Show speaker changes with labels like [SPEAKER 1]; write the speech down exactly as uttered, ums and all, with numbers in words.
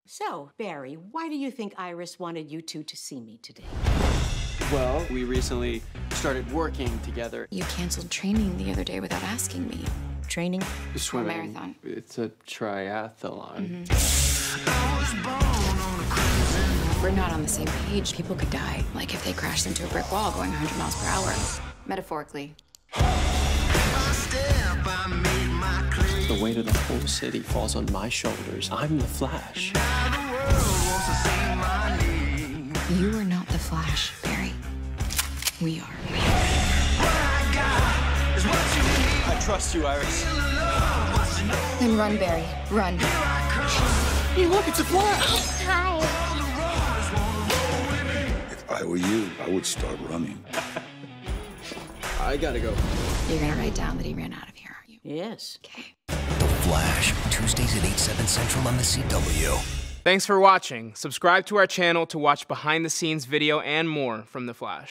[SPEAKER 1] So, Barry, why do you think Iris wanted you two to see me today?
[SPEAKER 2] Well, we recently started working together.
[SPEAKER 3] You canceled training the other day without asking me.
[SPEAKER 1] Training?
[SPEAKER 2] Swimming.
[SPEAKER 3] Or marathon.
[SPEAKER 2] It's a triathlon.
[SPEAKER 3] Mm-hmm. We're not on the same page. People could die. Like if they crashed into a brick wall going one hundred miles per hour. Metaphorically.
[SPEAKER 2] The weight of the whole city falls on my shoulders. I'm the Flash.
[SPEAKER 3] You are not the Flash, Barry. We are.
[SPEAKER 2] I trust you, Iris.
[SPEAKER 3] Then run, Barry. Run.
[SPEAKER 2] Hey, look, it's a Flash!
[SPEAKER 4] Hi.
[SPEAKER 5] If I were you, I would start running.
[SPEAKER 2] I gotta go.
[SPEAKER 3] You're gonna write down that he ran out of here, aren't you?
[SPEAKER 1] Yes.
[SPEAKER 3] Okay.
[SPEAKER 6] The Flash, Tuesdays at eight, seven Central on the C W.
[SPEAKER 7] Thanks for watching. Subscribe to our channel to watch behind-the-scenes video and more from The Flash.